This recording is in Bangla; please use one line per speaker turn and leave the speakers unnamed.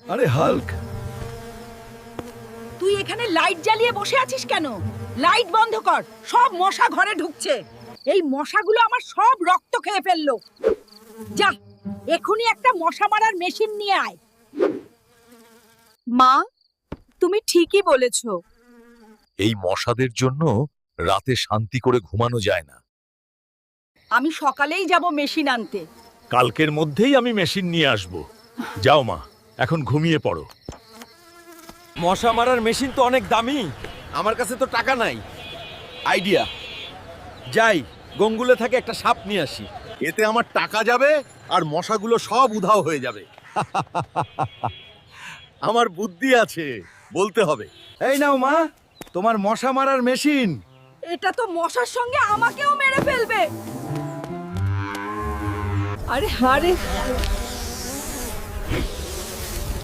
আরে হাল্ক,
তুই এখানে লাইট জ্বালিয়ে বসে আছিস কেন? লাইট বন্ধ কর, সব মশা ঘরে ঢুকছে। এই মশাগুলো আমার সব রক্ত খেয়ে ফেললো। যা, এখনই একটা মশা মারার মেশিন নিয়ে আয়।
মা, তুমি ঠিকই বলেছো।
এই মশাদের জন্য রাতে শান্তি করে ঘুমানো যায় না।
আমি সকালেই যাব মেশিন আনতে।
কালকের মধ্যেই আমি মেশিন নিয়ে আসব। যাও মা, এখন ঘুমিয়ে পড়ো।
মশা মারার মেশিন তো অনেক দামি, আমার কাছে তো টাকা নাই। আইডিয়া, যাই গঙ্গুলে থেকে একটা সাপ নিয়ে আসি।
এতে আমার টাকা যাবে আর মশাগুলো সব উধাও হয়ে যাবে। আমার বুদ্ধি আছে, বলতে হবে।
এই নাও মা, তোমার মশা মারার মেশিন।
এটা তো মশার সঙ্গে আমাকেও মেরে ফেলবে। আরে আরে